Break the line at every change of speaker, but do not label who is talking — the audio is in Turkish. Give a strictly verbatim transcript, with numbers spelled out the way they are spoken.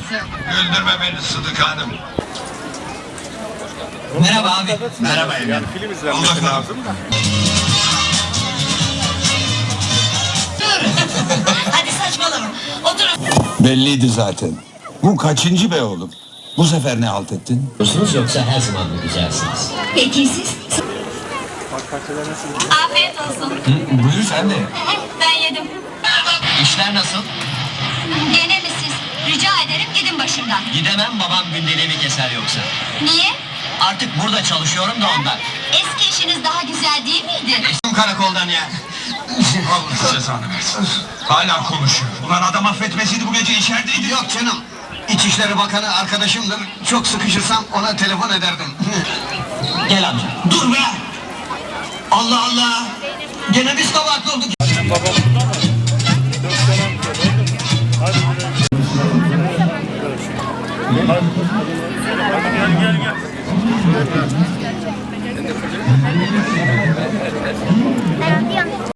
Güldürme beni Sıdık Hanım.
Merhaba abi.
Merhaba
Yani
efendim.
film izlenmesi lazım da.
Hadi saçmalama. Oturun.
Belliydi zaten. Bu kaçıncı be oğlum? Bu sefer ne halt ettin?
Musunuz yoksa her zaman mı güzelsiniz?
Peki siz?
Bak kaçıda nasıl?
Afiyet olsun.
Buyur sen de.
Ben yedim.
İşler nasıl?
Gene mi siz? Rica ederim gidin başımdan.
Gidemem, babam gündeliğimi keser yoksa.
Niye?
Artık burada çalışıyorum da ondan.
Eski işiniz daha güzel değil miydi?
Karakoldan ya.
Allah cezanı versin. Hala konuşuyor. Ulan adam affetmesiydi bu gece içerideydi.
Yok canım. İçişleri Bakanı arkadaşımdır. Çok sıkışırsam ona telefon ederdim.
Gel amca.
Dur be! Allah Allah! Gene biz kabahatli olduk.
Annem babam burada mı? Çok selam söyle. Hadi Hadi. Hadi gel gel gel.